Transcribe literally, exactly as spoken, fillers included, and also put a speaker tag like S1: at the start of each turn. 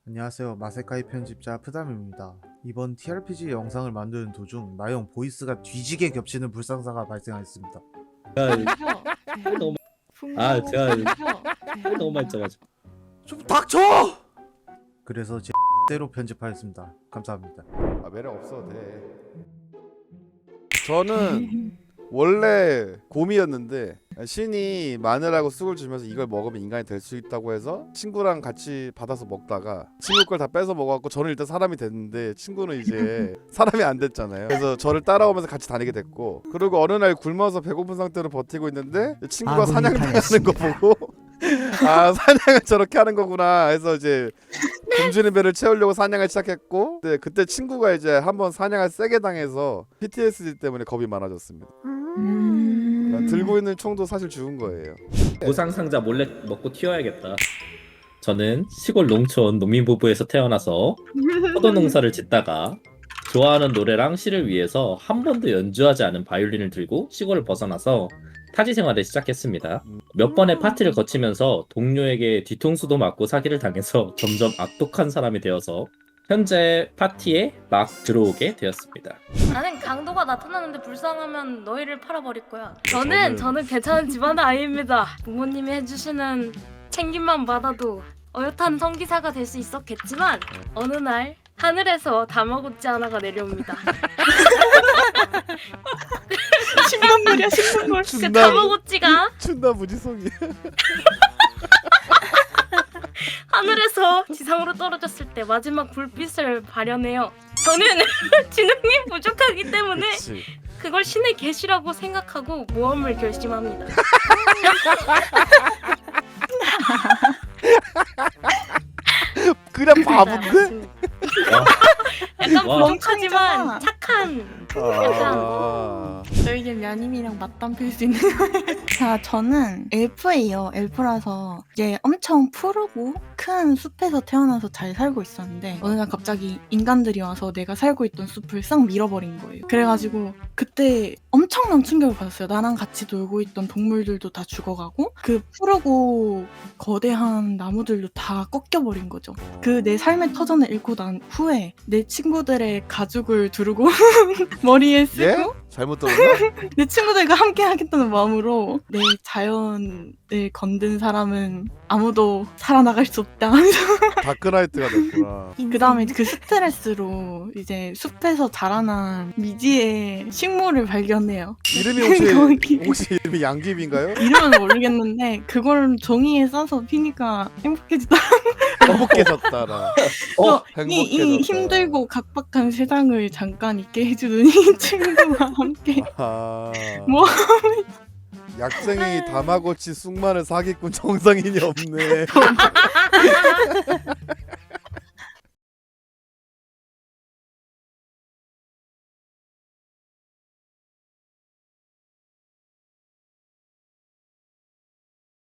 S1: 안녕하세요. 마세카이 편집자 푸담입니다. 이번 티알피지 영상을 만드는 도중 나영 보이스가 뒤지게 겹치는 불상사가 발생하였습니다.
S2: 제가 너무 아 제가 너무 많이 짜가지고
S1: 좀 닥쳐! 그래서 제 대로 편집하였습니다. 감사합니다.
S3: 아 매력 없어도 돼. 저는 원래 곰이었는데 신이 마늘하고 쑥을 주면서 이걸 먹으면 인간이 될 수 있다고 해서 친구랑 같이 받아서 먹다가 친구 걸 다 뺏어 먹어갖고 저는 일단 사람이 됐는데 친구는 이제 사람이 안 됐잖아요. 그래서 저를 따라오면서 같이 다니게 됐고, 그리고 어느 날 굶어서 배고픈 상태로 버티고 있는데 친구가 사냥당하는 거 보고 아 사냥을 저렇게 하는 거구나 해서 이제 굶주린 배를 채우려고 사냥을 시작했고, 네, 그때 친구가 이제 한번 사냥을 세게 당해서 피티에스디 때문에 겁이 많아졌습니다.
S4: 음...
S3: 들고 있는 총도 사실 죽은 거예요.
S2: 보상 상자 몰래 먹고 튀어야겠다. 저는 시골 농촌 농민 부부에서 태어나서 포도 농사를 짓다가 좋아하는 노래랑 시를 위해서 한 번도 연주하지 않은 바이올린을 들고 시골을 벗어나서 타지 생활을 시작했습니다. 몇 번의 파티를 거치면서 동료에게 뒤통수도 맞고 사기를 당해서 점점 악독한 사람이 되어서 현재 파티에 막 들어오게 되었습니다.
S4: 나는 강도가 나타나는데 불쌍하면 너희를 팔아버릴 거야. 저는
S3: 저는-
S4: 저는 괜찮은 집안의 아이입니다. 부모님이 해주시는 챙김만 받아도 어엿한 성기사가 될 수 있었겠지만 어느 날 하늘에서 다마고치 하나가 내려옵니다.
S5: 신문물이야 신문물.
S4: 그
S3: 춘남
S4: 다마고치가
S3: 춘남 무지성이.
S4: 하늘에서 지상으로 떨어졌을 때 마지막 불빛을 발현해요. 저는 지능이 부족하기 때문에
S3: 그치.
S4: 그걸 신의 계시라고 생각하고 모험을 결심합니다.
S3: 그냥 바본데?
S4: 약간
S2: 와.
S4: 부족하지만
S5: 멍청이잖아.
S4: 착한
S3: 아...
S5: 저희 집 며님이랑 맞담 필 수 있는 거예요. 자, 저는 엘프예요. 엘프라서 이제 엄청 푸르고 큰 숲에서 태어나서 잘 살고 있었는데 어느 날 갑자기 인간들이 와서 내가 살고 있던 숲을 싹 밀어버린 거예요. 그래가지고 그때 엄청난 충격을 받았어요. 나랑 같이 놀고 있던 동물들도 다 죽어가고 그 푸르고 거대한 나무들도 다 꺾여버린 거죠. 그 내 삶의 터전을 잃고 난 후에 내 친구들의 가죽을 두르고 머리에 쓰고
S3: 예? 잘못 들었나?
S5: 내 친구들과 함께 하겠다는 마음으로 내 자연을 건든 사람은 아무도 살아나갈 수 없다.
S3: 다크나이트가 됐구나.
S5: 그 다음에 그 스트레스로 이제 숲에서 자라난 미지의 식물을 발견해요.
S3: 이름이 혹시
S5: 거기-
S3: 혹시 이름이 양귀비인가요?
S5: 이름은 모르겠는데 그걸 종이에 싸서 피니까 행복해지다.
S3: 행복해졌다라.
S2: 어?
S5: 이, 이
S3: 행복해졌다.
S5: 힘들고 각박한 세상을 잠깐 잊게 해주는 이 친구와 함께
S3: 아...
S5: 뭐?
S3: 약쟁이 다마고치 쑥마늘 사기꾼 정상인이 없네.